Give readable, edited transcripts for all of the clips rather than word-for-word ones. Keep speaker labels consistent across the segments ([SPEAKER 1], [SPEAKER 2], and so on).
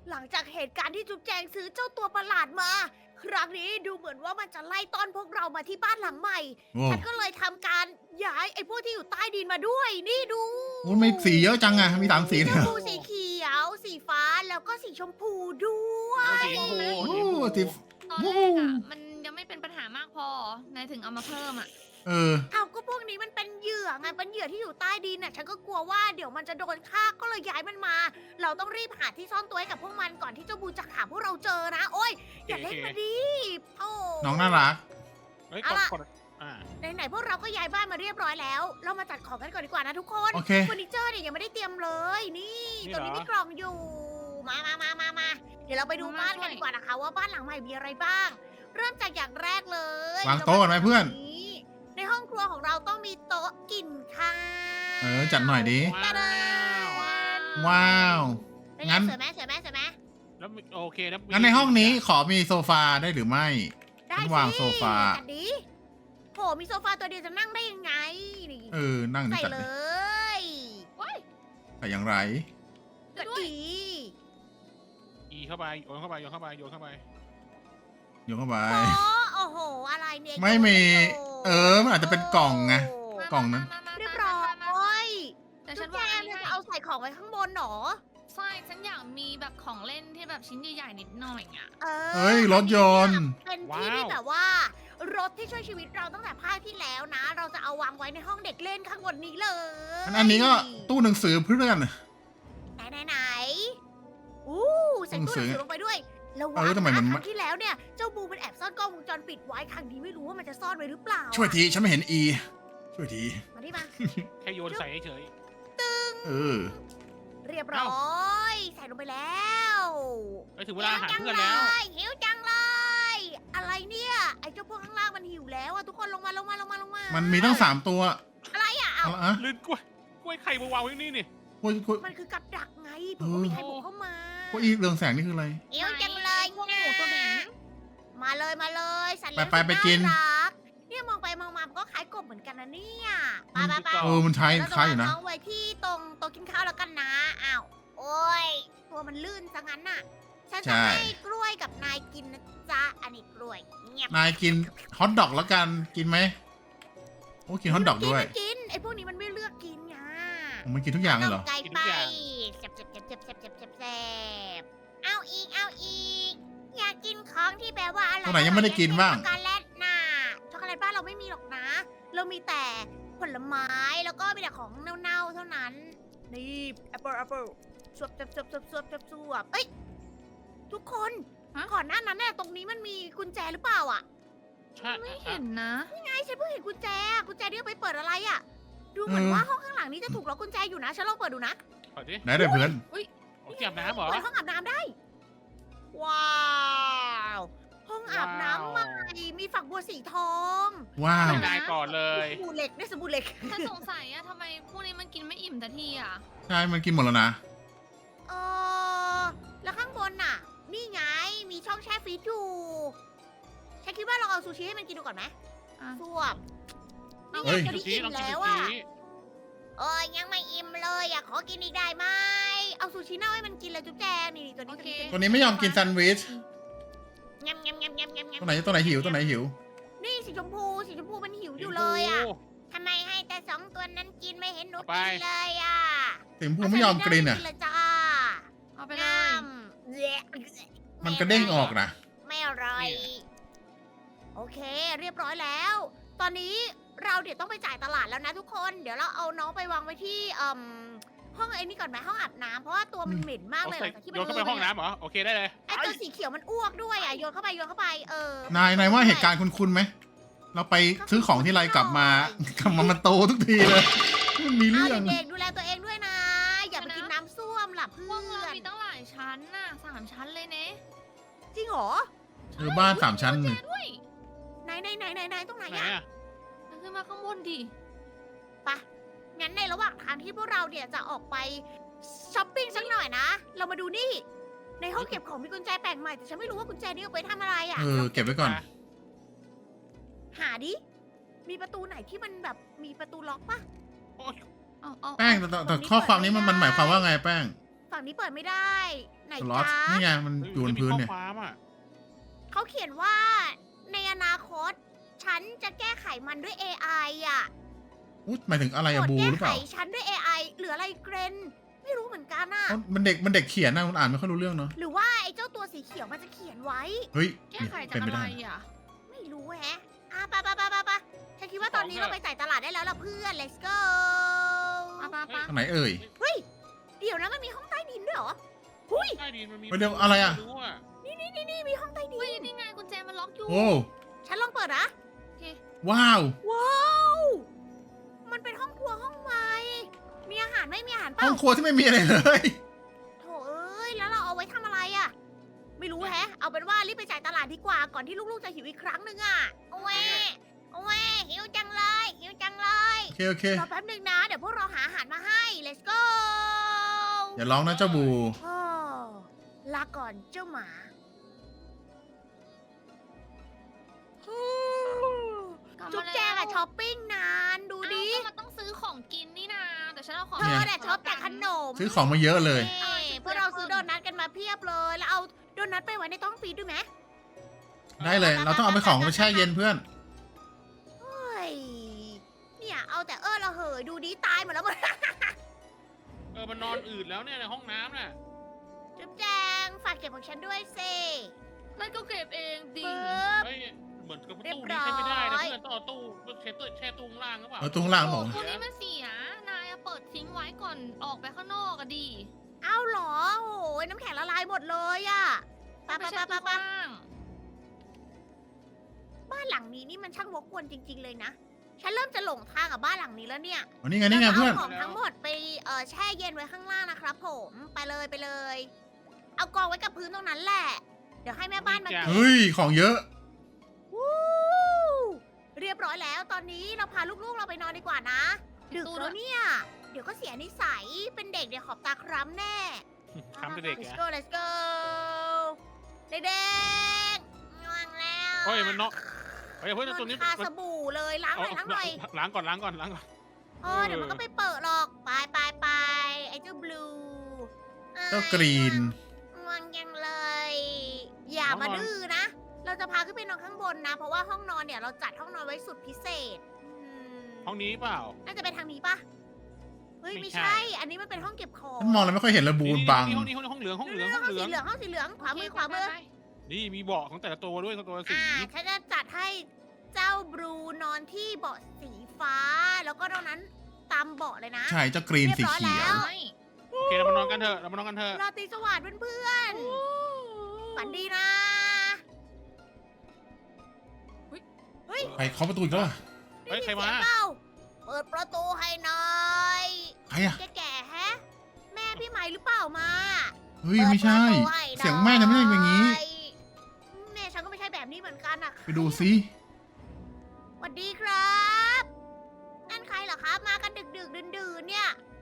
[SPEAKER 1] หลังจากเหตุการณ์ที่จุ๊บแจงซื้อเจ้าตัวประหลาดมา ครั้งนี้ดูเหมือนว่ามันจะไล่ต้อนพวกเรามาที่บ้านหลังใหม่
[SPEAKER 2] โอ้
[SPEAKER 1] ฉันก็เลยทำการย้ายไอ้พวกที่อยู่ใต้ดินมาด้วย นี่ดู
[SPEAKER 2] โหมีสีเยอะจังอะมี3 สีเลย
[SPEAKER 1] ช
[SPEAKER 2] เหร
[SPEAKER 1] ม
[SPEAKER 2] อ
[SPEAKER 1] พูสีเขียว สีฟ้าแล้วก็สีชมพูด้วย
[SPEAKER 3] สีชมพู
[SPEAKER 2] โอ้
[SPEAKER 3] สีชมพู
[SPEAKER 2] สี
[SPEAKER 4] ตอนแรกอ่ะมันยังไม่เป็นปัญหามากพอนายถึงเอามาเพิ่มอ่ะ
[SPEAKER 2] เออ
[SPEAKER 1] เอาก็พวกนี้มันเป็นเหยื่อไงเป็นเหยื่อที่อยู่ใต้ดินน่ะฉันก็กลัวว่าเดี๋ยวมันจะโดนฆ่าก็เลยย้ายมันมา เราต้องรีบหาที่ซ่อนตัวให้กับพวกมันก่อนที่เจ้าบูจะหาพวกเราเจอนะ โอ้ยอย่าเล่นมาดิโอ้
[SPEAKER 2] น้องน่ารัก
[SPEAKER 3] เฮ้ย
[SPEAKER 1] เอา
[SPEAKER 3] กด
[SPEAKER 1] ล่ะ
[SPEAKER 3] กดอ่า
[SPEAKER 1] ไหนๆพวกเราก็ย้ายบ้านมาเรียบร้อยแล้ว เรามาจัดของกันก่อนดีกว่านะทุกคน
[SPEAKER 2] โอเค
[SPEAKER 1] เฟอร์นิเจอร์เนี่ยยังไม่ได้เตรียมเลย นี่
[SPEAKER 3] นี่
[SPEAKER 1] ตัวนี้
[SPEAKER 3] เหรอ
[SPEAKER 1] มีกล่องอยู่ มาเดี๋ยวเราไปดูบ้านกันดีกว่านะคะ ว่าบ้านหลังใหม่มีอะไรบ้าง เริ่มจากอย่างแรกเลยว
[SPEAKER 2] างโต๊ะก่อนไหมเพื่อน
[SPEAKER 1] ในห้องครัวของเราต้องมีโต๊ะกินข้าว
[SPEAKER 2] เออจัดหน่อยดิ
[SPEAKER 3] ว้าว
[SPEAKER 2] ว้าว
[SPEAKER 1] เป็นไง
[SPEAKER 2] งั้น
[SPEAKER 1] สวยไหมสวยไหมสวยไหม
[SPEAKER 3] แล้วมีโอเคแล้วมี
[SPEAKER 2] งั้นในห้องนี้ขอมีโซฟาได้หรือไม่
[SPEAKER 1] ได้
[SPEAKER 2] ฉัน
[SPEAKER 1] สิ
[SPEAKER 2] วางโซฟา
[SPEAKER 1] จัดดิโหมีโซฟาตัวเดียวจะนั่งได้ยังไงนี่
[SPEAKER 2] เออ นั่งนี่
[SPEAKER 1] ใส่
[SPEAKER 2] จัด
[SPEAKER 1] เล
[SPEAKER 2] เลย
[SPEAKER 1] ย
[SPEAKER 2] แต่อย่างไร
[SPEAKER 1] กดดี
[SPEAKER 3] อีเข้าไปโยนเข้าไปโยนเข้าไปโยนเข้าไป
[SPEAKER 2] โยนเข้าไป
[SPEAKER 1] โอ้โห อะไรเนี่ย
[SPEAKER 2] ไม่มี เออ มันอาจจะเป็นกล่องไง กล่องนั้น
[SPEAKER 1] เรียบร้อย
[SPEAKER 4] แต่
[SPEAKER 1] จุ๊
[SPEAKER 4] ฉั
[SPEAKER 1] บ
[SPEAKER 4] น
[SPEAKER 1] แจ
[SPEAKER 4] วางอั
[SPEAKER 1] ง
[SPEAKER 4] นนี้
[SPEAKER 1] จะ
[SPEAKER 4] ให้
[SPEAKER 1] เอาใส่ของไว้ข้างบนเหรอ
[SPEAKER 4] ใช่ฉันอยากมีแบบของเล่นที่แบบชิ้นใหญ่ๆนิดหน่อยอ่ะ
[SPEAKER 2] เฮ้ย รถยนต์
[SPEAKER 1] เป็นที่ที่แบบว่า รถที่ช่วยชีวิตเราตั้งแต่ภาคที่แล้วนะ เราจะเอาวางไว้ในห้องเด็กเล่นข้างบนนี้เลย
[SPEAKER 2] อันนี้ก็ตู้หนังสือเพื่อน
[SPEAKER 1] ไหนอู้ใส่ตู้หนังสือลงไปด้วยระวัง
[SPEAKER 2] เออทำไมมัน
[SPEAKER 1] ครั้งที่แล้วเนี่ย เจ้าบูมันแอบซ่อนกล้องวงจรปิดไว้ครั้งนี้ไม่รู้ว่ามันจะซ่อนไว้หรือเปล่า
[SPEAKER 2] ช่วยที ฉันไม่เห็นอีช่วยที
[SPEAKER 1] มาที่มา
[SPEAKER 3] แค่โยนใส่เฉย
[SPEAKER 2] เออ
[SPEAKER 1] เรียบร้อย ใส่ลงไปแล้ว
[SPEAKER 3] ๆเฮ้ยถึงเวลาอาหารเพื่อนแล้ว
[SPEAKER 1] หิวจังเลย อะไรเนี่ย ไอ้เจ้าพวกข้างล่างมันหิวแล้วอะทุกคนลงมา
[SPEAKER 2] มันมีตั้ง3 ตัว
[SPEAKER 1] อะไรอะเอา
[SPEAKER 2] เอาละอะ
[SPEAKER 3] ลื่นกล้วยไข่มาวางไว้นี่นี่
[SPEAKER 2] โอ้ยโอ้ย
[SPEAKER 1] มันคือกับดักไงเผื่อว่ามีใครบุกเข้ามา
[SPEAKER 2] โอ้ยอีเรืองแสงนี่คืออะไร
[SPEAKER 1] หิวจังเลย
[SPEAKER 4] พวกหมูตัวเหม็น
[SPEAKER 1] มาเลยสัตว์เลี้ยง
[SPEAKER 2] ไปกิน
[SPEAKER 1] สุดารักเนี่ยมองไปมองมามันก็คล้ายกบเหมือนกันนะเนี่ยไป
[SPEAKER 2] เออ มันใช้
[SPEAKER 1] เราจะ
[SPEAKER 2] คล้ายว
[SPEAKER 1] าง
[SPEAKER 2] อยู่นะ
[SPEAKER 1] น้องไว้ที่ตรงโต๊ะกินข้าวแล้วกันนะอ้าวโอ้ยตัวมันลื่นซะงั้นน่ะ ฉัน
[SPEAKER 2] ใช่
[SPEAKER 1] จะให้กล้วยกับนายกินนะจ๊ะอันนี้กล้วยเงียบ
[SPEAKER 2] นายกินฮอทดอกแล้วกัน กินไหม โอ้กินฮอทดอกด้วย
[SPEAKER 1] มันกินไอ้พวกนี้มันไม่เลือกกินไง
[SPEAKER 2] มันกินทุกอย่างเลยเหรอ
[SPEAKER 1] ไก่ไปเจ็บเอาอีก อยากกินของที่แบบว่าอร่อย
[SPEAKER 2] ตัวไหนยังไม่ได้กินบ้าง
[SPEAKER 1] ช็อกโกแลตน่ะช็อกโกแลตบ้านเราไม่มีหรอกนะ เรามีแต่ผลไม้แล้วก็มีแต่ของเน่าๆเท่านั้น นี่แอปเปิลสวบเอ้ยทุกคน
[SPEAKER 4] ฮะ
[SPEAKER 1] ก่อนหน้านั้นน่ะตรงนี้มันมีกุญแจหรือเปล่าอ่ะ
[SPEAKER 3] ใช่
[SPEAKER 4] ไม่เห็นนะ
[SPEAKER 1] ไงฉันเพิ่งเห็นกุญแจที่เอาไปเปิดอะไรอ่ะ ดูเหมือนว่าห้องข้างหลังนี้จะถูกล็อกกุญแจอยู่นะฉันลองเปิดดูนะ
[SPEAKER 3] เปิดดิ
[SPEAKER 2] ไหนได้เพื่อน
[SPEAKER 3] โอ้ยเก็บน้ำเหรอ
[SPEAKER 1] เปิดห้องอาบน้ำได้ ว้าว ห้องอาบน้ำใหม่ มีฝักบัวสีทอง
[SPEAKER 2] ว้าว
[SPEAKER 3] ให้นายก่อนเลย
[SPEAKER 1] สบู่เหล็กได้สบู่เหล็ก
[SPEAKER 4] ฉันสงสัยอะทำไมพวกนี้มันกินไม่อิ่มแต่ทีอะ
[SPEAKER 2] ใช่ มันกินหมดแล้วนะ
[SPEAKER 1] เออแล้วข้างบนน่ะ นี่ไง มีช่องแช่ฟรีซอยู่ฉันคิดว่าลองเอาซูชิให้มันกินดูก่อนไหม
[SPEAKER 4] อ่ะ
[SPEAKER 1] สวบนี่
[SPEAKER 2] เฮ้
[SPEAKER 1] ไง
[SPEAKER 2] ย
[SPEAKER 1] จะ
[SPEAKER 3] ซู
[SPEAKER 1] ได้
[SPEAKER 3] ชิ
[SPEAKER 1] อิ่
[SPEAKER 3] ลอง
[SPEAKER 1] ม
[SPEAKER 3] กิน
[SPEAKER 1] แล้
[SPEAKER 3] ซู
[SPEAKER 1] วอ่ะ
[SPEAKER 3] ชิ
[SPEAKER 1] เอ้ยยังไม่อิ่มเลยอยากขอกินอีกได้ไหม เอาซูชิเน่าให้มันกินเลยจุ๊บแจงนี่ตัว
[SPEAKER 4] โอ
[SPEAKER 1] นี้
[SPEAKER 4] เค
[SPEAKER 2] ตัวนี้ไม่ยอมกินแซนด์วิช
[SPEAKER 1] งำ
[SPEAKER 2] ตัวไหนหิว ตัวไหนหิว
[SPEAKER 1] นี่สีชมพูมันหิวอยู่เลยอ่ะ
[SPEAKER 3] โ
[SPEAKER 1] ทำไมให้แต่สองตัวนั้นกินไม่เห็นหนู
[SPEAKER 3] เอาไป
[SPEAKER 1] กินเลยอ่ะ
[SPEAKER 2] สีชมพูไม่ยอมกินอ่ะ
[SPEAKER 1] กินเลยจ้า
[SPEAKER 4] เอาไปเลย
[SPEAKER 1] งำแยะ
[SPEAKER 2] มันกระเด้งออกนะ
[SPEAKER 1] ไม่อร่อย โอเค เรียบร้อยแล้ว ตอนนี้เราเดี๋ยวต้องไปจ่ายตลาดแล้วนะทุกคน เดี๋ยวเราเอาน้องไปวางไว้ที่ห้องไอ้นี่ก่อนไหมห้องอาบน้ำเพราะว่าตัวมันเหม็นมาก
[SPEAKER 3] เอา
[SPEAKER 1] เลยห
[SPEAKER 3] ใส่
[SPEAKER 1] ลังจากที่
[SPEAKER 3] โย
[SPEAKER 1] มัน
[SPEAKER 3] นเข้าไปห้องน้ำเหรอ โอเคได้เลย
[SPEAKER 1] ไอ้ตัวสีเขียวมันอ้วกด้วยอ่ะโยนเข้าไป
[SPEAKER 2] นายว่าเหตุการณ์คุ้นๆไหม เราไปซื้อของที่ไรกลับมา มันโตทุกทีเลย มันมีเรื่อง
[SPEAKER 1] เด็กๆดูแลตัวเองด้วยนะ อย่าไปกินน้ำส้วมล่ะเพื่
[SPEAKER 4] พวกเรา
[SPEAKER 1] อน
[SPEAKER 4] มีตั้งหลายชั้นน่ะ3 ชั้นเลยเนะ
[SPEAKER 1] จริงเหรอ
[SPEAKER 2] บ้าน3 ชั้นหนึ่ง
[SPEAKER 4] ด้วย
[SPEAKER 1] ไหนตรงไหน
[SPEAKER 3] ไหน
[SPEAKER 1] อ่ะ
[SPEAKER 3] อะ
[SPEAKER 4] มันขึ้นมาข้างบนดิ
[SPEAKER 1] งั้นในระหว่างทางที่พวกเราเนี่ยจะออกไปช้อปปิ้งสักหน่อยนะ เรามาดูนี่ ในห้องเก็บของมีกุญแจแปลกใหม่แต่ฉันไม่รู้ว่ากุญแจนี้เอาไปทำอะไรอ่ะ
[SPEAKER 2] เก็บไว้ก่อน
[SPEAKER 1] หาดิ มีประตูไหนที่มันแบบมีประตูล็อกปะ
[SPEAKER 4] เอา
[SPEAKER 2] แป้งแต่ข้อความนี้มันหมายความว่าไงแป้ง
[SPEAKER 1] ฝั่งนี้เปิดไม่ได้ไหน
[SPEAKER 2] สล็อต
[SPEAKER 1] จ๊ะ
[SPEAKER 2] นี่ไงมันอยู่บนพื้นเนี่ย
[SPEAKER 3] มีข้อความอ่ะ
[SPEAKER 1] เขาเขียนว่าในอนาคต ฉันจะแก้ไขมันด้วย AI อ่ะ
[SPEAKER 2] อุ๊ยหมายถึงอะไรอะ
[SPEAKER 1] กด
[SPEAKER 2] บู
[SPEAKER 1] แก้
[SPEAKER 2] หรือ
[SPEAKER 1] ไข
[SPEAKER 2] เปล่า
[SPEAKER 1] ฉันด้วย AI หรืออะไรเกรนไม่รู้เหมือนกันอ่ะ
[SPEAKER 2] เอ้ามันเด็กเขียนนะคุณอ่านไม่ค่อยรู้เรื่องเนาะ
[SPEAKER 1] หรือว่าไอ้เจ้าตัวสีเขียวมันจะเขียนไว้
[SPEAKER 2] เฮ้ย
[SPEAKER 4] แก้ไขจาก
[SPEAKER 2] เป็น
[SPEAKER 4] อะ
[SPEAKER 2] ไป
[SPEAKER 4] ไร
[SPEAKER 2] ได้
[SPEAKER 4] อ่ะ
[SPEAKER 1] ไม่รู้แฮะไปฉันคิดว่าตอนนี้เราไปจ่ายตลาดได้แล้วล่ะเพื่อน let's go
[SPEAKER 4] ป้า
[SPEAKER 2] ทางไหนเอ่ย
[SPEAKER 1] เฮ้ย เดี๋ยวนะมันมีห้องใต้ดินด้วยเหรอหุ้ย
[SPEAKER 3] ใต้ดินมันมี
[SPEAKER 2] เดี๋ยวอะไรอะ
[SPEAKER 3] ม่รู้อ่ะ
[SPEAKER 1] นี่มีห้องใต้ดิ
[SPEAKER 4] เฮ้ย
[SPEAKER 1] น
[SPEAKER 4] นี่ไงกุญแจมันล็อกอยู่
[SPEAKER 2] โอ้
[SPEAKER 1] ฉันลองเปิดนะ
[SPEAKER 2] ว้าว
[SPEAKER 1] ว้าว มันเป็นห้องครัวห้องใหม่ มีอาหารไหม่มีอาหารเป
[SPEAKER 2] ห้
[SPEAKER 1] ล่า
[SPEAKER 2] องครัวที่ไม่มีอะไรเลย
[SPEAKER 1] โถเอ้ย แล้วเราเอาไว้ทำอะไรอะไม่รู้แฮะ เอาเป็นว่ารีบไปจ่ายตลาดดีกว่า ก่อนที่ลูกๆจะหิวอีกครั้งหนึ่งอะโอ้ยหิวจังเลย
[SPEAKER 2] โอเค
[SPEAKER 1] รอแป๊บหนึ่งนะ เดี๋ยวพวกเราหาอาหารมาให้ let's go
[SPEAKER 2] อย่าร้องนะเจ้าบู
[SPEAKER 1] โอ้ลาก่อนเจ้าหมาจุ๊บแจงอะช้อปปิ้งนานดูดิ
[SPEAKER 4] ก็มันต้องซื้อของกินนี่นาแต่ฉันเอาของ
[SPEAKER 1] เธอเนี่ยชอบแต่ขนม
[SPEAKER 2] ซื้อของมาเยอะเลย
[SPEAKER 1] นี่พวกเราซื้อโดนัทกันมาเพียบเลย แล้วเอาโดนัทไปไว้ในตู้ฟรีซด้วยไหม
[SPEAKER 2] ได้เลย เราต้องเอาไปของไปแช่เย็นเพื่อน
[SPEAKER 1] เฮ้ย เนี่ยเอาแต่เราเหยดูดีตายหมดแล้วหมด
[SPEAKER 3] มันนอนอืดแล้วเนี่ยในห้องน้ำน่ะ
[SPEAKER 1] จุ๊บแจงฝากเก็บของฉันด้วยสิ
[SPEAKER 4] แล้วก็เก็บเองดิ
[SPEAKER 1] ปึ๊บ
[SPEAKER 3] เฮ้ยเหมือนกับ
[SPEAKER 1] เรีย
[SPEAKER 3] ตู้
[SPEAKER 1] บ
[SPEAKER 3] นี้ใช้ไม่ได้
[SPEAKER 1] ร้
[SPEAKER 3] นะ
[SPEAKER 1] อย
[SPEAKER 3] เพื่อนต้องเอาตู้แช่ตู้ข้างล่างหรือเปล่า
[SPEAKER 2] เอาตรงล่างบอก
[SPEAKER 4] ตัวนี้มันเสีย นายอะเปิดทิ้งไว้ก่อนออกไปข้างนอกอะดี
[SPEAKER 1] เอาเหรอโอ้ยน้ำแข็งละลายหมดเลยอะไป
[SPEAKER 4] ไปเช็ดตู้ข้างล่าง
[SPEAKER 1] บ้านหลังนี้นี่มันช่างวกวนจริง ๆ เลยนะ ฉันเริ่มจะหลงทางกับบ้านหลังนี้แล้วเนี่ย
[SPEAKER 2] วันนี้ไงนี่ไงเพื่อน
[SPEAKER 1] ราจะาของทั้งหมดไปแช่เย็นไว้ข้างล่างนะครับผมไปเลย เอากองไว้กับพื้นตรงนั้นแหละ เดี๋ยวให้แม่บ้านมาเก็บ
[SPEAKER 2] เฮ้ย ของเยอะ
[SPEAKER 1] วู้เรียบร้อยแล้วตอนนี้เราพาลูกๆเราไปนอนดีกว่านะดึกแล้วเนี่ย เดี๋ยวก็เสียนิสัยเป็นเด็กเดี๋ยวขอบตาคร้ำแน่
[SPEAKER 3] ทำเด็ก
[SPEAKER 1] let's
[SPEAKER 3] ๆ
[SPEAKER 1] go
[SPEAKER 3] อ่ะ
[SPEAKER 1] let's go เด็กๆง่วงแล้ว
[SPEAKER 3] เฮ้ยมันเนาะเฮ้ยเพื่อนตัวนี้
[SPEAKER 1] คาสบู่เลยล้างหน่อยล้างหน่อย
[SPEAKER 3] ล้างก่อน
[SPEAKER 1] เดี๋ยวมันก็ไปเปิดหรอกไปไอ้เจ้าบลู
[SPEAKER 2] เจ้ากรีน
[SPEAKER 1] ง่วงยังเลย อย่ามาดื้อนะ เราจะพาขึ้นไปนอนข้างบนนะ เพราะว่าห้องนอนเนี่ยเราจัดห้องนอนไว้สุดพิเศษ
[SPEAKER 3] ห้องนี้เปล่า
[SPEAKER 1] น่าจะเป็นทางนี้ปะเฮ้ย
[SPEAKER 3] ไม่
[SPEAKER 1] ไม่
[SPEAKER 3] ใช่
[SPEAKER 1] ใช่ อันนี้มันเป็นห้องเก็บของ
[SPEAKER 2] ฉันมองแล้วไม่ค่อยเห็นระบูนบัง
[SPEAKER 3] ห้องนี้ห้องเหลือง
[SPEAKER 1] ห้องสีเหลืองห้องสีเหลืองขวามือขวามือ
[SPEAKER 3] นี่มีเบาะของแต่ละตัวด้วยตัวละสี
[SPEAKER 1] ฉันจะจัดให้เจ้าบลูนอนที่เบาะสีฟ้า แล้วก็ตรงนั้นตามเบาะเลยนะ
[SPEAKER 2] ใช่เจ้ากรีนสีเขียว
[SPEAKER 3] โอเคเรามานอนกันเถอะ
[SPEAKER 1] ราตรีสวัสดิ์เพื่อนๆฝันดีนะ เฮ้ย
[SPEAKER 2] ไปเคาะประตูอีกแล้วเหรอ
[SPEAKER 3] เฮ้ยใคร
[SPEAKER 1] ได้
[SPEAKER 3] มา
[SPEAKER 1] ยินเสียงเปล่าเปิดประตูให้หน่อย
[SPEAKER 2] ใครอะ
[SPEAKER 1] แก่ๆแฮะ แม่พี่ไหมหรือเปล่ามา
[SPEAKER 2] เฮ้ย ไม่ใช่
[SPEAKER 1] ปิดประตูให้หน่อ
[SPEAKER 2] เสียงแม่จะไม่ใช่อย่างนี้
[SPEAKER 1] แม่ฉันก็ไม่ใช่แบบนี้เหมือนกันอะ
[SPEAKER 2] ไปดูซิ
[SPEAKER 1] สวัสดีครับ นั่นใครเหรอครับ มากันดึกๆดื่นๆเนี่ย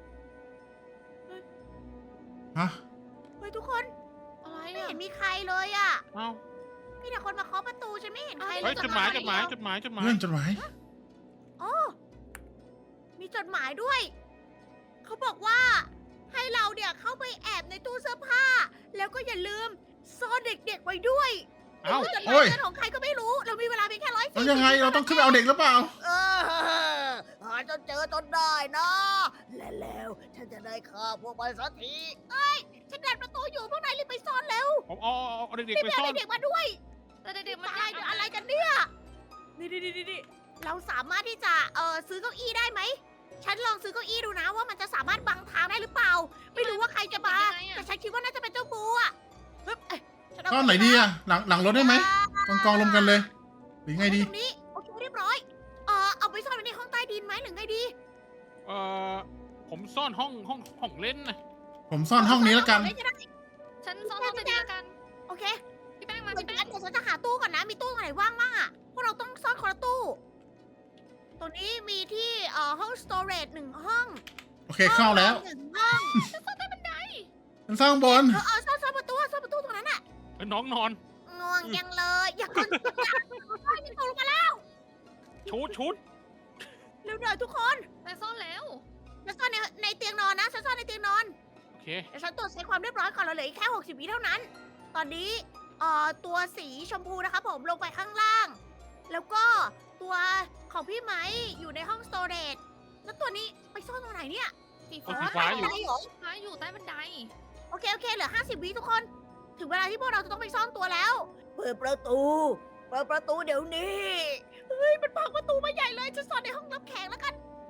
[SPEAKER 2] ฮะ
[SPEAKER 1] เฮ้ยทุกคน
[SPEAKER 4] อะไร
[SPEAKER 1] ไม่
[SPEAKER 4] อะ
[SPEAKER 1] เห็นมีใครเลยอะ
[SPEAKER 3] เอ้า
[SPEAKER 1] มีแต่คนมาเคาะประตูฉันไม่เห็นใครเล
[SPEAKER 3] เฮ้ย
[SPEAKER 1] ย
[SPEAKER 3] จดหมาย
[SPEAKER 1] เ
[SPEAKER 2] เพื่อนจดหมาย
[SPEAKER 1] อ๋อมีจดหมายด้วย เขาบอกว่า ให้เราเนี่ยเข้าไปแอบในตู้เสื้อผ้า แล้วก็อย่าลืมซ่อนเด็กๆไว้ด้วย
[SPEAKER 3] เอ้า
[SPEAKER 1] จดห
[SPEAKER 2] โอ้
[SPEAKER 1] มาย
[SPEAKER 2] ย
[SPEAKER 1] เงินของใครก็ไม่รู้ เรามีเวลาเพียงแค่140
[SPEAKER 2] แล้วยังไง เราต้องขึ้นไปเอาเด็กหรือเปล่า
[SPEAKER 1] หาจนเจอจนได้นะ และแล้วฉันจะได้ฆ่าพวกมันสักทีเอ้ย ฉันดันประตูอยู่พวกนายรีบไปซ่อนเร็ว
[SPEAKER 3] ผมเอาเด็ก
[SPEAKER 1] รีบ
[SPEAKER 3] ๆไป
[SPEAKER 1] ไป
[SPEAKER 3] ซ่อ
[SPEAKER 1] เอา
[SPEAKER 3] น
[SPEAKER 1] เด็กๆมาด้วย
[SPEAKER 4] แต่เด็กๆมัน
[SPEAKER 1] ตายเดี๋ยวอะไรกันเนี่ย นี่เราสามารถที่จะซื้อเก้าอี้ได้ไหม ฉันลองซื้อเก้าอี้ดูนะว่ามันจะสามารถบังทางได้หรือเปล่า ไม่รู้ว่าใครจะมา แต่ฉันคิดว่าน่าจะเป็นเจ้าบูอ่ะฮึบเอ้ยฉัเา
[SPEAKER 2] ก็ไหนดีอะหลังรถได้ไหมกองรวมกันเลย หรือไงดี
[SPEAKER 1] ตรงนี้โอเคเรียบร้อย เอาไปซ่อนไว้ในห้องใต้ดินไหมหรือไงดี
[SPEAKER 3] ผมซ่อนห้องเล่นนะ
[SPEAKER 2] ผมซ่อนห้องนี้แล้วกัน
[SPEAKER 4] ฉันซ้อนห้องไปดีละกัน
[SPEAKER 1] โอเค
[SPEAKER 4] พี่แป้ง
[SPEAKER 1] เห
[SPEAKER 4] มา
[SPEAKER 1] มือน
[SPEAKER 4] พี่
[SPEAKER 1] กั
[SPEAKER 4] แป้
[SPEAKER 1] น
[SPEAKER 4] ง
[SPEAKER 1] เดี๋ยวฉันจะหาตู้ก่อนนะ มีตู้ไหนว่างบ้างอ่ะ พวกเราต้องซ่อนคนละตู้ ตัวนี้มีที่ห้อง storage 1 ห้อง
[SPEAKER 2] โอเคเข้าแล้ว
[SPEAKER 1] ห้องนอน1 ห้อง
[SPEAKER 2] ฉันสร้างบน
[SPEAKER 1] ซ่อนประตูตรงนั้นอ่ะ
[SPEAKER 3] น้องนอน
[SPEAKER 1] ง่วงยังเลย อย่ากดยังตกลงมาแล้ว
[SPEAKER 3] ชุด
[SPEAKER 1] เร็วหน่อยทุกคน
[SPEAKER 4] ไปซ่อนแล้ว
[SPEAKER 1] ฉันซ่อนในเตียงนอนนะฉันซ่อนในเตียงนอน
[SPEAKER 3] โอเคเค
[SPEAKER 1] เดี๋ยวฉันตรวจเช็คความเรียบร้อยก่อนเราเหลืออีกแค่60 วิเท่านั้น ตอนนี้ตัวสีชมพูนะครับผมลงไปข้างล่าง แล้วก็ตัวของพี่ไหมอยู่ในห้องสโตรจแล้วตัวนี้ไปซ่อนตรงไหนเนี่ย
[SPEAKER 4] สี
[SPEAKER 3] เอา
[SPEAKER 4] ฟ้า
[SPEAKER 3] สีฟ้าอยู่
[SPEAKER 1] ไหนเหรอ
[SPEAKER 4] ฟ้าอยู่ใต้บันได
[SPEAKER 1] โอเคเหลือ50 วิทุกคน ถึงเวลาที่พวกเราจะต้องไปซ่อนตัวแล้ว เปิดประตูเดี๋ยวนี้ เฮ้ย มันพังประตูมาใหญ่เลย จะซ่อนในห้องรับแขกแล้วกัน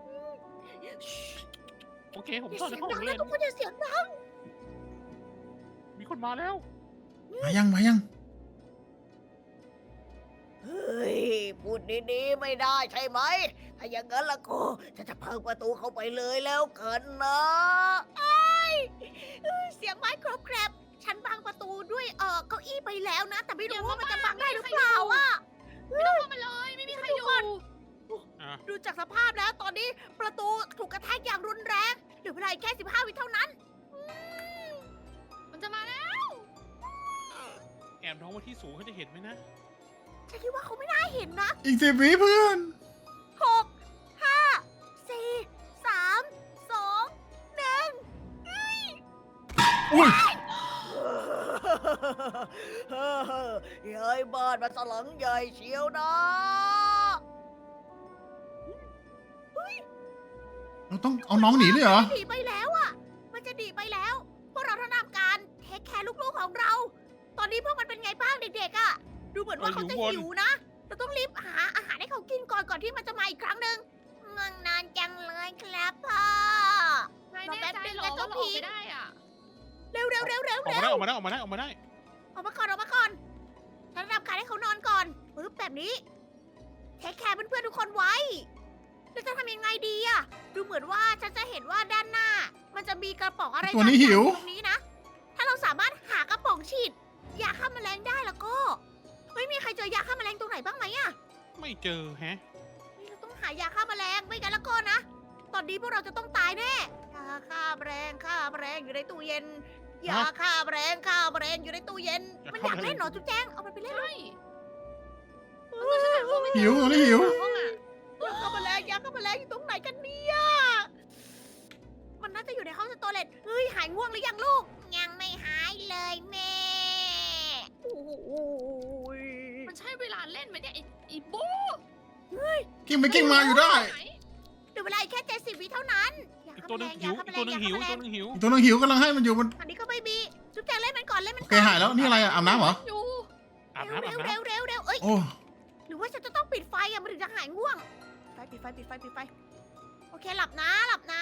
[SPEAKER 3] โอเค ผม
[SPEAKER 1] อย่า
[SPEAKER 3] ซ่อน
[SPEAKER 1] เสี
[SPEAKER 3] ใน
[SPEAKER 1] ยง
[SPEAKER 3] ห้อง
[SPEAKER 1] ดัง
[SPEAKER 3] เล่
[SPEAKER 1] นะ
[SPEAKER 3] น
[SPEAKER 1] ทุกคนอย่าเสียงดัง
[SPEAKER 3] มีคนมาแล้ว
[SPEAKER 2] มายัง
[SPEAKER 1] เฮ้ย พูดดีๆไม่ได้ใช่ไหม ถ้าอย่างนั้นละก็จะพังประตูเข้าไปเลยแล้วกันนะไอ้ยเสียงไม้กรอบแกรบฉันบังประตูด้วยเก้าอี้ไปแล้วนะ แต่ไม่รู้ว่ามันจะบังได้หรือเปล่าอ่ะ
[SPEAKER 4] ไม่ต้องเข้ามาเลยไม่มีใครอยู่
[SPEAKER 3] อ่ะ
[SPEAKER 1] ดูจากสภาพแล้วตอนนี้ประตูถูกกระแทกอย่างรุนแรงเหลือเวลาอีกแค่15 วิเท่านั้น
[SPEAKER 4] มันจะมาแล้ว
[SPEAKER 3] แอบน้องไว้ที่สูงเขาจะเห็นไหมนะ
[SPEAKER 1] ฉันคิดว่าเขาไม่น่าเห็นนะ
[SPEAKER 2] อีก10 วิเพื่อน
[SPEAKER 1] 6 5 4 3 2 1
[SPEAKER 2] อุ้ย
[SPEAKER 1] ย้ายบ้านมาสลังใหญ่เชียวนะ
[SPEAKER 2] เราต้องเอาน้องหนีเลยเหรอ
[SPEAKER 1] หนีไปแล้วอ่ะ มันจะหนีไปแล้ว พวกเราต้องทำการเทคแคร์ลูกๆของเรา ตอนนี้พวกมันเป็นไงบ้างเด็กๆอ่ะ ดูเหมือนว่าเขาจะหิวนะ เราต้องรีบหาอาหารให้เขากินก่อนที่มันจะมาอีกครั้งหนึ่งงังนานจังเลยครับพ่อ
[SPEAKER 4] นายแน่ใจเหรอว่าเราออกไปได้อ่ะ
[SPEAKER 1] เร็ว
[SPEAKER 3] ออกมาได้ออกมาได้ออกมาได้
[SPEAKER 1] ออกมาก่อนฉันทำการให้เขานอนก่อนปึ๊บแบบนี้เทคแคร์เพื่อนๆทุกคนไว้แล้วจะทำยังไงดีอะดูเหมือนว่าฉันจะเห็นว่าด้านหน้า มันจะมีกระป๋องอะไร
[SPEAKER 2] ตัวนี้หิว
[SPEAKER 1] ตรงนี้นะ ถ้าเราสามารถหากระป๋องฉีดยาฆ่าแมลงได้แล้วก็เฮ้ยมีใครเจอยาฆ่าแมลงตรงไหนบ้างไหมอะ
[SPEAKER 3] ไม่เจอแฮะ
[SPEAKER 1] นี่เราต้องหายาฆ่าแมลงไม่งั้นแล้วก็นะ ตอนนี้พวกเราจะต้องตายแน่ยาฆ่าแมลงอยู่ในตู้เย็นยาฆ่าแมลงอยู่ในตู้เย็น มันอยากเล่นเหรอจุ๊บแจงเอามันไปเล่น
[SPEAKER 4] ใช่
[SPEAKER 2] หิวตัวนี้หิว
[SPEAKER 4] ห้องอ่ะ
[SPEAKER 1] ยาฆ่าแมลงอยู่ตรงไหนกันเนี่ย มันน่าจะอยู่ในห้องสโตเลตเฮ้ยหายง่วงหรือยังลูก ยังไม่หายเลยแม่โอ้ย
[SPEAKER 4] มันใช่เวลาเล่นไหมเนี่ยไอ้โบ
[SPEAKER 2] กิ้งไปกิ้งมาอยู่ได้
[SPEAKER 1] เหลือเวลาอีกแค่70 วิเท่านั้นยา
[SPEAKER 3] อีก
[SPEAKER 1] ฆ่า
[SPEAKER 3] ตัว
[SPEAKER 1] แม
[SPEAKER 3] หนึ
[SPEAKER 1] ล
[SPEAKER 3] ง
[SPEAKER 1] ง
[SPEAKER 3] หิว
[SPEAKER 1] ยา
[SPEAKER 3] อี
[SPEAKER 1] ฆ่าก แมล
[SPEAKER 3] ตัว
[SPEAKER 1] ง
[SPEAKER 3] หนึง
[SPEAKER 1] ยา
[SPEAKER 3] หิว
[SPEAKER 1] ฆ่าแมลง
[SPEAKER 3] อีกตัวหนึงหิว
[SPEAKER 2] ตัวนึงหิวกำลังให้มันอยู่มัน
[SPEAKER 1] อันนี้ก็ไม่มีจุ๊บแจงเล่นมันก่อนเล่นมัน
[SPEAKER 2] โอ
[SPEAKER 1] ก่
[SPEAKER 2] เค
[SPEAKER 1] อน
[SPEAKER 2] หายแล้วนี่อะไรอะอาบน้ำเหรอ
[SPEAKER 4] อยู่
[SPEAKER 3] อาบน้ำอาบ
[SPEAKER 1] เร็ว
[SPEAKER 3] น้ำ
[SPEAKER 1] เร็วเอ้ย
[SPEAKER 2] โอ้
[SPEAKER 1] หรือว่าฉันจะต้องปิดไฟอะมันถึงจะหายง่วงปิดไฟโอเคหลับนะ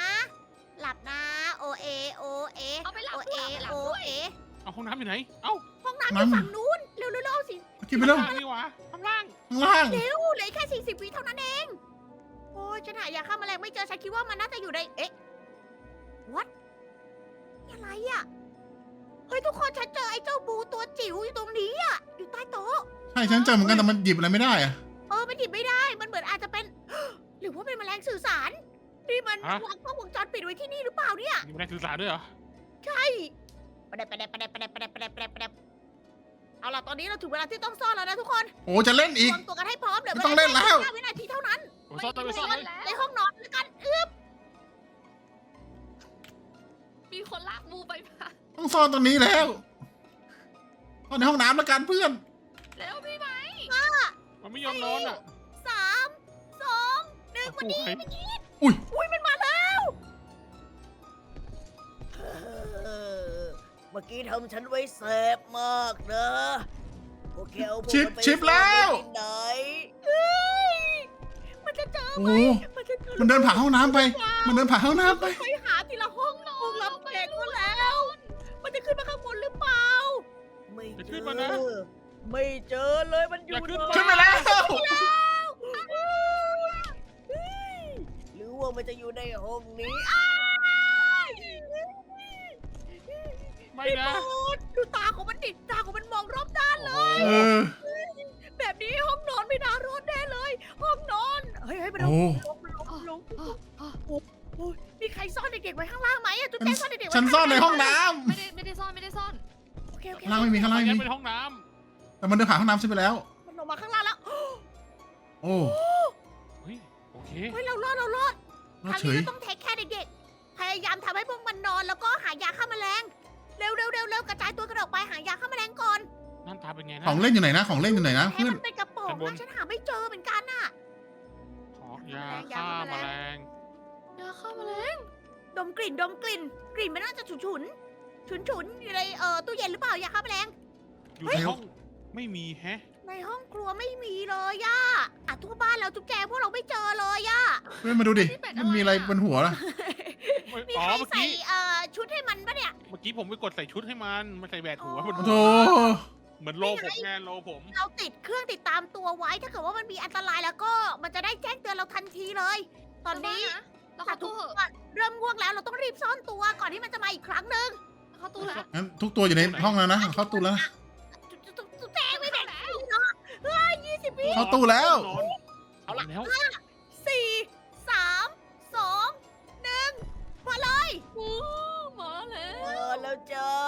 [SPEAKER 1] โอเอ
[SPEAKER 4] เอาไปหลับ
[SPEAKER 1] โอ
[SPEAKER 4] ด้
[SPEAKER 1] เอ
[SPEAKER 4] วยเอาไปหลับ
[SPEAKER 1] โอ
[SPEAKER 4] ด้วย
[SPEAKER 1] เอ
[SPEAKER 3] เอาห้องน้ำอยู่ไหน เอ้า
[SPEAKER 1] ห้องน้ำอยู่ฝั่งนู้นเร็วเอาสิ
[SPEAKER 2] กินไปแล้ว
[SPEAKER 3] ข้างล่างนี่หวะข้างล่าง
[SPEAKER 2] ข้างล่าง
[SPEAKER 1] เร็วเหลืออกแค่40 วิเท่านั้นเอง โอ้ยฉันหายาฆ่าแมลงไม่เจอฉันคิดว่ามันน่าจะอยู่ในเอ๊ะ what นี่อะไรอะเฮ้ยทุกคนฉันเจอไอ้เจ้าบูตัวจิ๋วอยู่ตรงนี้อะอยู่ใต้โต๊ะ
[SPEAKER 2] ใช่ฉันเจอเหมือนกันแต่มันหยิบอะไรไม่ได้อะ
[SPEAKER 1] มันหยิบไม่ได้ มันเหมือนอาจจะเป็น หรือว่าเป็นแมลงสื่อสาร นี่มันวางกล้องวงจรปิดไว้ที่นี่หรือเปล่าเนี่ย
[SPEAKER 3] มีแรงสื่อสารด้วยเหรอ
[SPEAKER 1] ใช่ประเด็บเอาล่ะตอนนี้เราถึงเวลาที่ต้องซ่อนแล้วนะทุกคน
[SPEAKER 2] โอ้จะเล่นอีก
[SPEAKER 1] วางตัวกันให้พร้อมเดี๋ยว
[SPEAKER 2] ไม่ต้องเล่นแล้ว
[SPEAKER 1] 5 วินาทีเท่านั้น
[SPEAKER 3] โอ้ยซ่อนตัวไปซ่อนเลย
[SPEAKER 1] ในห้องนอนแล้วกัน
[SPEAKER 4] มีคนลากบูไปมา
[SPEAKER 2] ต้องซ่อนตรงนี้แล้วซ่อนในห้องน้ำแล้วกันเพื่อน
[SPEAKER 4] แล้วพี่ไหม
[SPEAKER 3] มันไม่ยอมนอนอ่ะ
[SPEAKER 1] 3 2 1วันนี้
[SPEAKER 3] โอ้ย
[SPEAKER 1] อุ้ยมันมาแล้วเมื่อกี้ทำฉันไว้แสบมากนะโอเคเอาพวกมันไป
[SPEAKER 2] ชิปแล้ว
[SPEAKER 1] ที่ไหนเฮ้ยมันจะเจอ
[SPEAKER 2] โอ้
[SPEAKER 1] ไหม
[SPEAKER 2] มันเดินผ่านห้องน้ำไป มันเดินผ่านห้องน้ำไป
[SPEAKER 1] ไปหาทีละห้องรับแขกก็แล้ว มันจะขึ้นมาข้างบนหรือเปล่า ไม่
[SPEAKER 3] จะ
[SPEAKER 1] เจ
[SPEAKER 3] ขึ้น
[SPEAKER 1] อ
[SPEAKER 3] มานะ
[SPEAKER 1] ไม่เจอเลยมันอยู่
[SPEAKER 3] อย่าขึ้น
[SPEAKER 2] ขึ้นไปแล้ว
[SPEAKER 1] หรือว่ามันจะอยู่ในห้องนี้
[SPEAKER 3] ไม่
[SPEAKER 1] พี่
[SPEAKER 3] นะ
[SPEAKER 1] โบ๊ทดูตาของมันดิตาของมันมองรอบด้าน
[SPEAKER 3] โอ้
[SPEAKER 1] เลย
[SPEAKER 3] โห
[SPEAKER 2] เออ
[SPEAKER 1] แบบนี้ห้องนอนไม่น่ารอดแน่เลย ห้องนอน เฮ้ยมันล
[SPEAKER 2] โอ้
[SPEAKER 1] งลงมีใครซ่อนเด็กๆไว้ข้างล่างไหมอะจุ๊บแจ๊ซ่อนเด็กๆไว้
[SPEAKER 2] ฉันซ่อนในห้องน้
[SPEAKER 4] ไม่ได้ซ่อนไม่ได้ซ่อน
[SPEAKER 1] โอเค
[SPEAKER 2] ำข้างล่างไม่มีข้างล่างไม่
[SPEAKER 3] งั้น
[SPEAKER 2] มี
[SPEAKER 3] เป็นห้องน้
[SPEAKER 2] แต่มันเดินผ่านห้องน้ำฉันไปแล้ว
[SPEAKER 1] มันลงมาข้างล่างแล้ว
[SPEAKER 2] โอ้
[SPEAKER 3] ำเฮ้ยโอเค
[SPEAKER 1] เฮ้ยเรารอด
[SPEAKER 2] รอด
[SPEAKER 1] คราว
[SPEAKER 2] เฉ
[SPEAKER 1] นี้
[SPEAKER 2] ย
[SPEAKER 1] เราต้องเทคแค่เด็กๆ พพยายามทำให้พวกมันนอนแล้วก็หายาฆ่าแมลง เร็วกระจายตัวกันออกไปหายาฆ่าแมลงก่อน
[SPEAKER 3] นั่นตาเป็นไงนะ
[SPEAKER 2] ของเล่นอยู่ไหนนะของเล่นอยู่ไหนนะ
[SPEAKER 1] ให้
[SPEAKER 2] เพื่อน
[SPEAKER 1] มันเป็นกระป๋อง
[SPEAKER 3] ชั้นบน
[SPEAKER 1] นะฉันหาไม่เจอเหมือนกันน่ะ
[SPEAKER 3] ขอยาฆ่าแมลง
[SPEAKER 4] ยาฆ่าแมลง
[SPEAKER 1] ดมกลิ่นกลิ่นมันน่าจะฉุนอยู่ในตู้เย็นหรือเปล่ายาฆ่าแมลง
[SPEAKER 3] อยู่ในห้องไม่มีแฮะ
[SPEAKER 1] ในห้องครัวไม่มีเลยย่าทั่วบ้านแล้วจุ๊บแจงพวกเราไม่เจอเลยย่า
[SPEAKER 2] เพื่อนมาดูดิมันมีอะไรบนหัวล่ะ
[SPEAKER 1] มี
[SPEAKER 3] อ๋อ
[SPEAKER 1] ใคร
[SPEAKER 3] เมื่อ
[SPEAKER 1] ใส่
[SPEAKER 3] กี้
[SPEAKER 1] ชุดให้มันปะเนี่ย
[SPEAKER 3] เมื่อกี้ผมไปกดใส่ชุดให้มันใส่แบตหัวมัน
[SPEAKER 2] โอ้โห
[SPEAKER 3] เหมือนโลผมไงโลผม
[SPEAKER 1] เราติดเครื่องติดตามตัวไว้ถ้าเกิดว่ามันมีอันตรายแล้วก็มันจะได้แจ้งเตือนเราทันทีเลย ตอนนี้
[SPEAKER 4] เราเข้า
[SPEAKER 1] ทุ
[SPEAKER 4] ตู้
[SPEAKER 1] ก
[SPEAKER 4] เหอะ
[SPEAKER 1] คนเริ่มง่วงแล้วเราต้องรีบซ่อนตัวก่อนที่มันจะมาอีกครั้งหนึ่ง
[SPEAKER 4] เข้าตู้แล้ว
[SPEAKER 2] งั้นทุกตัวอยู่ในห้องแล้วนะเข้าตู้แล้วนะ
[SPEAKER 1] จุ๊บแจงไม่แบ่งเนาะ20 วิ
[SPEAKER 2] เข้าตู้แล้ว
[SPEAKER 3] นอนเอาละแล้ว
[SPEAKER 1] 4 3 2 1มาเลย
[SPEAKER 4] โอ้มาแล้
[SPEAKER 1] แล้วจ้า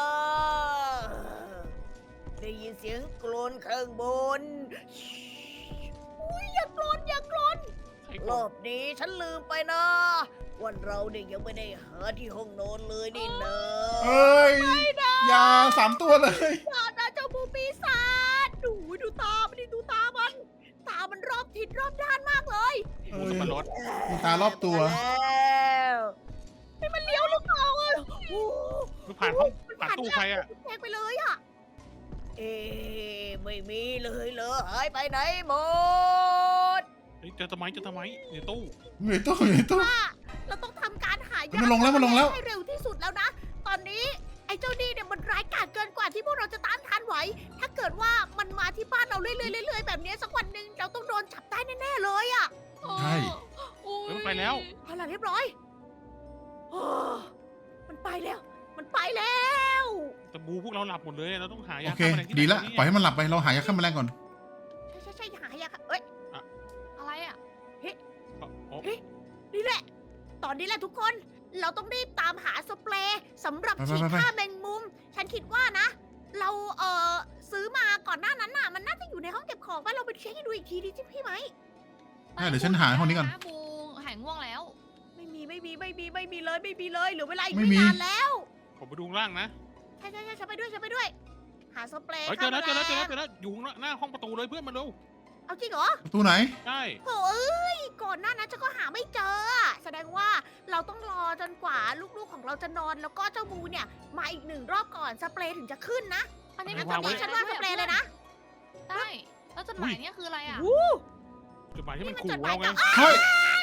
[SPEAKER 1] ได้ยินเสียงกรนข้างบนอุ้ยอย่ากรน
[SPEAKER 3] ใคร
[SPEAKER 1] ร
[SPEAKER 3] ก
[SPEAKER 1] อ
[SPEAKER 3] ด
[SPEAKER 1] บนี้ฉันลืมไปนะวันเราเนี่ยยังไม่ได้หาที่ห้องนอนเลยนี่นะ
[SPEAKER 2] เอ้ยยา3 ตัวเลย
[SPEAKER 1] อย่านะเจ้าบูปีศาจดูตามันดิดูตามัน ตามันรอบทิศรอบด้านมากเลย
[SPEAKER 3] หมูสับปะรด
[SPEAKER 2] มีตารอบตัว
[SPEAKER 1] แล้วให้มันเลี้ยวหรือเปล่าอ่ะโอ้
[SPEAKER 3] มันผ่านห้องผ่านตู้ใครอ่ะ
[SPEAKER 1] แทงไปเลยอ่ะ เอ๊ะไม่มีเลยเหรอหายไปไหนหมด
[SPEAKER 3] เฮ้ยเจอทำไมในตู้
[SPEAKER 2] อยู่ในตู้อยู่ในตู้
[SPEAKER 1] ว่าเราต้องทำการหายา
[SPEAKER 2] มันลงแล้ว
[SPEAKER 1] ให้เร็วที่สุดแล้วนะ ตอนนี้ไอ้เจ้านี่เนี่ยมันร้ายกาจเกินกว่าที่พวกเราจะต้านทานไหว ถ้าเกิดว่ามันมาที่บ้านเราเรื่อยๆแบบนี้สักวันหนึ่งเราต้องโดนจับได้แน่ๆเลยอ่ะ
[SPEAKER 2] ใช่
[SPEAKER 3] เฮ้ยมันไปแล้ว
[SPEAKER 1] เอาล่ะเรียบร้อยโอ้มันไปแล้ว มันไปแล้ว
[SPEAKER 3] แต่บูพวกเราหลับหมดเลยเราต้องหา
[SPEAKER 2] โอย
[SPEAKER 3] า
[SPEAKER 2] เค
[SPEAKER 3] ฆ่าแมลงที่ไหน
[SPEAKER 2] ดีละ
[SPEAKER 3] นี่
[SPEAKER 2] ปล่อยให้มันหลับไปเราหายาฆ่าแมลงก่อน
[SPEAKER 1] ใช่หายาค่ะเอ้ย
[SPEAKER 4] อะไรอ่ะ
[SPEAKER 3] โอ้
[SPEAKER 1] นี่แหละ ตอนนี้แหละทุกคน เราต้องรีบตามหาสเปรย์สำหรับ
[SPEAKER 2] ไป
[SPEAKER 1] ฉีด
[SPEAKER 2] ไป
[SPEAKER 1] ฆ่าแมงมุม ฉันคิดว่านะ เราซื้อมาก่อนหน้านั้นน่ะ มันน่าจะอยู่ในห้องเก็บของป่ะเราไปเช็คให้ดูอีกทีดิจิพี่ไหม
[SPEAKER 2] เดี๋ยวฉันหาห้องนี้ก่อน
[SPEAKER 4] บูหายง่วงแล้ว
[SPEAKER 1] ไม่มีเลยเหลือเวลาอีก
[SPEAKER 2] ไม่
[SPEAKER 1] ไม่
[SPEAKER 2] มี
[SPEAKER 1] นานแล้ว
[SPEAKER 3] ผมไปดูข้างล่างนะ
[SPEAKER 1] ใช่ฉันไปด้วย หาสเปรย์
[SPEAKER 3] เฮ้ยเจอแล้ว
[SPEAKER 1] ฆ่าแมลง
[SPEAKER 3] อยู่หน้าห้องประตูเลยเพื่อนมาดู
[SPEAKER 1] เอาจริงเหรอ
[SPEAKER 2] ประตูไหน
[SPEAKER 3] ใช่
[SPEAKER 1] โอ้ยก่อนหน้านั้นฉันก็หาไม่เจออะแสดงว่าเราต้องรอจนกว่าลูกๆของเราจะนอนแล้วก็เจ้าบูเนี่ยมาอีก1 รอบก่อนสเปรย์ถึงจะขึ้นนะ
[SPEAKER 4] อันนี้
[SPEAKER 1] งั้น
[SPEAKER 4] มั
[SPEAKER 1] ตอนนี้ฉันว่าสเปรย์เลยนะ
[SPEAKER 4] ได้แล้วจดหมายเนี่ยคืออะไรอ่ะ
[SPEAKER 1] วู้
[SPEAKER 3] จดหมายที่มัน
[SPEAKER 1] นี่มัน
[SPEAKER 3] ขู่
[SPEAKER 1] จดหมาย
[SPEAKER 3] เราไง
[SPEAKER 1] จาก
[SPEAKER 2] เฮ้ย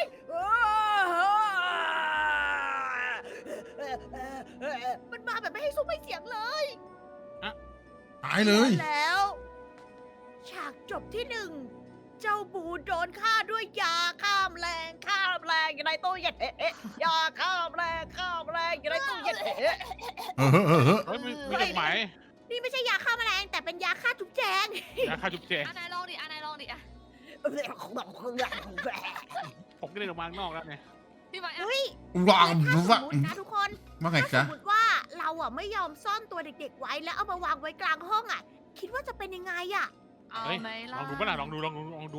[SPEAKER 1] มันมาแบบไม่ให้ซุ้มไม่เสียงเลย
[SPEAKER 2] ตายเลย
[SPEAKER 1] แล้ว ฉากจบที่ 1 เจ้าบูโดนฆ่าด้วยยาฆ่าแมลงอยู่ในตู้เย็นยาฆ่าแมลงอยู่ในตู้เย็น
[SPEAKER 2] เออ
[SPEAKER 3] เฮ้ยมีจดหมาย
[SPEAKER 1] นี่ไม่ใช่ยาฆ่าแมลงแต่เป็นยาฆ่าจุ๊บแจง
[SPEAKER 3] ยาฆ่าจุ๊บแจง
[SPEAKER 4] อันไหนลองดิอ่ะ
[SPEAKER 3] ผมก็เลยออกมาข้างนอกแล้วไง
[SPEAKER 4] พี่ไม้อ่ะ
[SPEAKER 1] เฮ้ย
[SPEAKER 2] วาง
[SPEAKER 1] ถ้าส
[SPEAKER 2] วาม
[SPEAKER 1] มตินะทุกคน
[SPEAKER 2] ว่าไง
[SPEAKER 1] ถ้าส
[SPEAKER 2] จ๊ะ
[SPEAKER 1] มมติว่าเราอ่ะไม่ยอมซ่อนตัวเด็กๆไว้แล้วเอามาวางไว้กลางห้องอ่ะ คิดว่าจะเป็นยังไงอ่ะ
[SPEAKER 4] เอา
[SPEAKER 3] เฮ้ย
[SPEAKER 4] ไหม
[SPEAKER 3] ล
[SPEAKER 4] ล่ะ
[SPEAKER 3] องดูป่ะล่ะลองดู
[SPEAKER 1] ล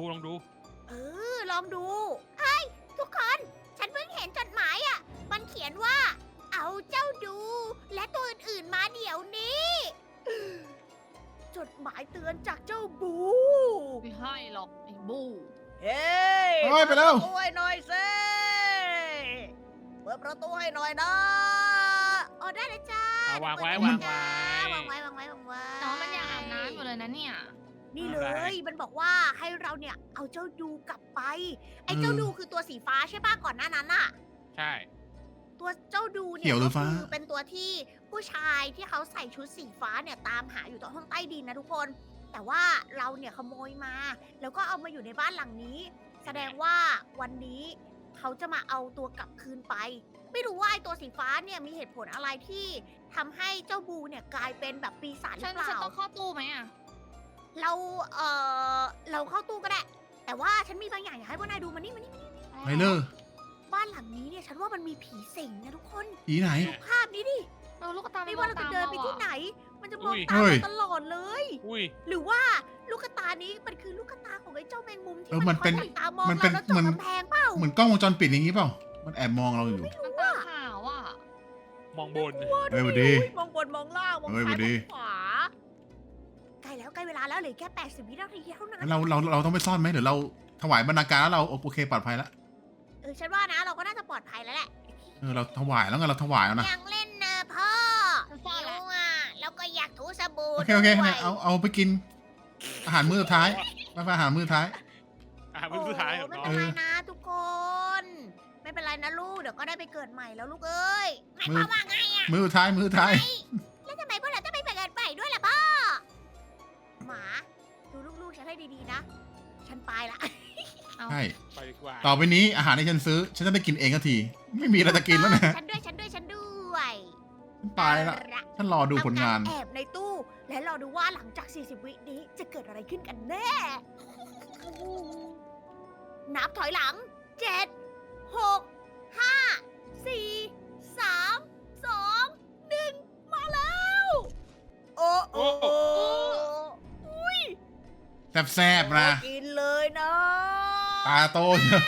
[SPEAKER 1] องดูเฮ้ยทุกคน ฉันเพิ่งเห็นจดหมายอ่ะ มันเขียนว่า เอาเจ้าดู และตัวอื่นๆมาเดี๋ยวนี้ จดหมายเตือนจากเจ้าบู
[SPEAKER 4] ไม่ให้หรอกไอ้บู
[SPEAKER 1] เฮ้ย
[SPEAKER 2] เฮ้ยไปแล้ว
[SPEAKER 1] เปิดประตูให้หน่อยสิเปิดประตูให้หน่อยนะอ๋อได้เลยจ้า
[SPEAKER 3] เอาวางไว้
[SPEAKER 1] เปิด
[SPEAKER 3] วาง
[SPEAKER 1] จ้
[SPEAKER 3] ไว้
[SPEAKER 1] วางไว้
[SPEAKER 4] น้องมันยังอาบน้ำอยู่เลยนะเนี่ย
[SPEAKER 1] นี่เล
[SPEAKER 3] อะไร
[SPEAKER 1] ย มันบอกว่าให้เราเนี่ยเอาเจ้าดูกลับไป ไอ้เจ้าดูคือตัวสีฟ้าใช่ป่ะก่อนหน้านั้นน่ะ
[SPEAKER 3] ใช่
[SPEAKER 1] ตัวเจ้าดูเนี่
[SPEAKER 2] เขี
[SPEAKER 1] ย
[SPEAKER 2] ยวหรื
[SPEAKER 1] ก็
[SPEAKER 2] อฟ้า
[SPEAKER 1] คือเป็นตัวที่ผู้ชายที่เขาใส่ชุดสีฟ้าเนี่ยตามหาอยู่ตรงห้องใต้ดินนะทุกคน แต่ว่าเราเนี่ยขโมยมา แล้วก็เอามาอยู่ในบ้านหลังนี้ แสดงว่าวันนี้เขาจะมาเอาตัวกลับคืนไป ไม่รู้ว่าไอ้ตัวสีฟ้าเนี่ยมีเหตุผลอะไรที่ทำให้เจ้าบูเนี่ยกลายเป็นแบบปีศาจหรื
[SPEAKER 4] ฉั
[SPEAKER 1] อน เปล่า
[SPEAKER 4] ต้องเข้าตู้ไหมอ่ะ
[SPEAKER 1] เราเราเข้าตู้ก็ได้ แต่ว่าฉันมีบางอย่างอยากให้พวกนายดูมานี่
[SPEAKER 2] ไปเลย
[SPEAKER 1] บ้านหลังนี้เนี่ยฉันว่ามันมีผีสิงนะทุกคน
[SPEAKER 2] ผีไหน
[SPEAKER 1] ดูภาพนี้ดิ
[SPEAKER 4] ลูกตา
[SPEAKER 1] ไม่ว่าเราจะเดินไปที่ไหน มันจะมอง
[SPEAKER 3] อุ้ย
[SPEAKER 1] ตาม
[SPEAKER 2] เฮ้ย
[SPEAKER 1] เราตลอดเลย
[SPEAKER 3] อุ้ย
[SPEAKER 1] หรือว่าลูกตานี้มันคือลูกตาของไอ้เจ้าแมงมุมที่
[SPEAKER 2] มันเป็น
[SPEAKER 1] คอยจับตามอง
[SPEAKER 2] มันเป็
[SPEAKER 1] เรา
[SPEAKER 2] น
[SPEAKER 1] แล้วเจาะ
[SPEAKER 2] มัน
[SPEAKER 1] กำแพงเปล่า
[SPEAKER 2] เหมือนกล้องวงจรปิดอย่างนี้เปล่า มันแอบมองเราอยู่
[SPEAKER 4] มันตาขาวอ่ะ
[SPEAKER 3] มองบน
[SPEAKER 2] เฮ้ยสวัสดี
[SPEAKER 1] มองบนมองล่างมอง
[SPEAKER 2] เฮ้ย
[SPEAKER 1] ซ้าย
[SPEAKER 2] สวัสดี
[SPEAKER 1] มองขวาใกล้แล้วใกล้เวลาแล้วเหลือแค่80 วินาทีเท่านั้น
[SPEAKER 2] งั้นเราต้องไปซ่อนไหมหรือเราถวายบรรณาการแล้วเราโอเคปลอดภัยแล้ว
[SPEAKER 1] ฉันว่านะเราก็น่าจะปลอดภัยแล้วแหละ
[SPEAKER 2] เราถวายแล้วไงเราถวายแล้วนะ
[SPEAKER 1] ยังเล่นนะพ่อ
[SPEAKER 4] ฉันซ่อนแล้ว
[SPEAKER 1] อ่ะแล้วก็อยากถูสบู่
[SPEAKER 2] โอเค
[SPEAKER 1] ด้วย
[SPEAKER 2] เอาไปกิน อาหารมื้อสุดท้ายไปอาหารมื้อสุดท้าย
[SPEAKER 3] เป็นสุดท้ายของ
[SPEAKER 1] ไม่
[SPEAKER 3] น้อ
[SPEAKER 1] เป็
[SPEAKER 3] ง
[SPEAKER 1] นไรนะทุกคน ไม่เป็นไรนะลูกเดี๋ยวก็ได้ไปเกิดใหม่แล้วลูกเอ้ยหมายความว่าไงอ่ะ
[SPEAKER 2] มื้อสุดท้าย
[SPEAKER 1] แล้วทำไมพวกเราต้องไปเกิดใหม่ด้วยล่ะพ่อหมาดูลูกๆฉันให้ดีๆนะ ฉันไปละ
[SPEAKER 2] ใช่
[SPEAKER 3] ไปดีกว่า
[SPEAKER 2] ต่อไปนี้อาหารที่ฉันซื้อ ฉันจะได้กินเองทันที ไม่มีอะไรจะกินแล้วนะ
[SPEAKER 1] ฉันด้วยฉันด้วย
[SPEAKER 2] ไปละฉันรอดูผลงาน
[SPEAKER 1] ทำกรแอบในตู้ และรอดูว่าหลังจาก 40 วินี้จะเกิดอะไรขึ้นกันแน่ นับถอยหลัง 7 6 5 4 3 2 1 มาแล้ว โอ้โอ้โอ้
[SPEAKER 2] แซ่บๆนะ
[SPEAKER 1] กินเลยนะ
[SPEAKER 2] ตาโตเชียว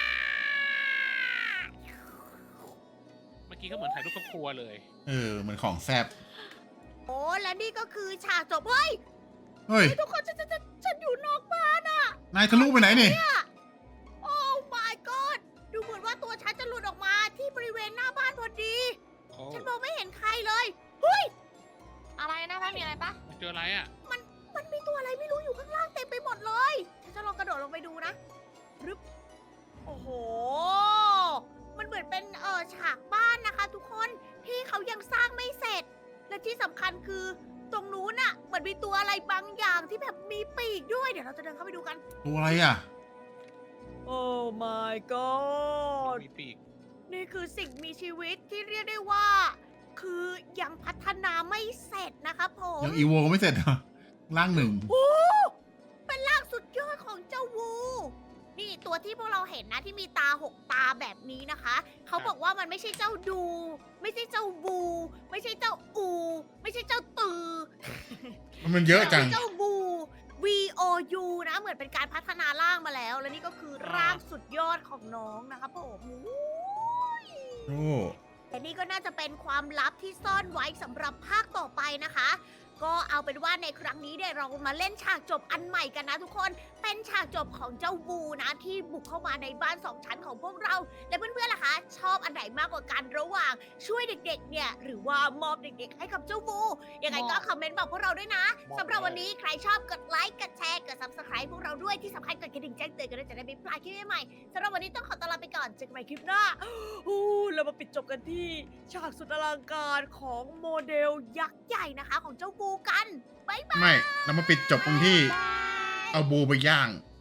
[SPEAKER 3] เมื่อกี้ก็เหมือนถ่ายรูปครอบครัวเลย
[SPEAKER 2] เหมือนของแซ่บ
[SPEAKER 1] โอ้และนี่ก็คือฉากจบเฮ้ย
[SPEAKER 2] เฮ้ย
[SPEAKER 1] ทุกคนฉันอยู่นอกบ้าน
[SPEAKER 2] นายทะลุไปไหนนี่
[SPEAKER 1] โอ้ my god ดูเหมือนว่าตัวฉันจะหลุดออกมาที่บริเวณหน้าบ้านพอดี
[SPEAKER 3] โอ้
[SPEAKER 1] ฉันมองไม่เห็นใครเลย เฮ้ย
[SPEAKER 4] อะไรนะบ้านมีอะไรปะ
[SPEAKER 3] เจออะไรอ่ะ
[SPEAKER 1] มันมีตัวอะไรไม่รู้อยู่ข้างล่างเต็มไปหมดเลย ฉันจะลองกระโดดลงไปดูนะรึบโอ้โห มันเหมือนเป็นฉากบ้านนะคะ ทุกคนที่เขายังสร้างไม่เสร็จ และที่สำคัญคือตรงนู้นน่ะเหมือนมีตัวอะไรบางอย่างที่แบบมีปีกด้วย เดี๋ยวเราจะเดินเข้าไปดูกัน
[SPEAKER 2] ตัวอะไรอ่ะ
[SPEAKER 1] โอ้ my god
[SPEAKER 3] มีปีก
[SPEAKER 1] นี่คือสิ่งมีชีวิตที่เรียกได้ว่า คือยังพัฒนาไม่เสร็จนะครับผม
[SPEAKER 2] ยังอีโวก็ไม่เสร็จเหรอร่างหนึ่ง
[SPEAKER 1] โอ้เป็นร่างสุดยอดของเจ้าวู นี่ตัวที่พวกเราเห็นนะที่มีตา6 ตาแบบนี้นะคะ เขาบอกว่ามันไม่ใช่เจ้าดู ไม่ใช่เจ้าบู ไม่ใช่เจ้าอู ไม่ใช่เจ้าตือ
[SPEAKER 2] มันเยอะจัง
[SPEAKER 1] เจ้าบู V O U นะ เหมือนเป็นการพัฒนาร่างมาแล้ว และนี่ก็คือร่างสุดยอดของน้องนะครับผมอู้ย
[SPEAKER 2] โอ้
[SPEAKER 1] แต่นี่ก็น่าจะเป็นความลับที่ซ่อนไว้สำหรับภาคต่อไปนะคะ ก็เอาเป็นว่าในครั้งนี้เนี่ยเรามาเล่นฉากจบอันใหม่กันนะทุกคน เป็นฉากจบของเจ้าวูนะที่บุกเข้ามาในบ้าน2 ชั้นของพวกเรา และเพื่อนๆล่ะคะ ชอบอันไหนมากกว่ากันระหว่างช่วยเด็กๆเนี่ยหรือว่ามอบเด็กๆให้กับเจ้าวูยังไงก็คอมเมนต์บอกพวกเราด้วยนะสำหรับวันนี้ใครชอบกดไลค์กดแชร์กด subscribe พวกเราด้วยที่สำคัญกดกระดิ่งแจ้งเตือนกันด้วยจะได้ไม่พลาดคลิปใหม่ๆสำหรับวันนี้ต้องขอตัวลาไปก่อนเจอกันใหม่คลิปหน้าเรามาปิดจบกันที่ฉากสุดอลังการของโมเดลยักษ์ใหญ่นะคะของเจ้าวูกัน
[SPEAKER 2] ไม่ เรามาปิดจบตรงที่เอาบูไปย่าง
[SPEAKER 1] บ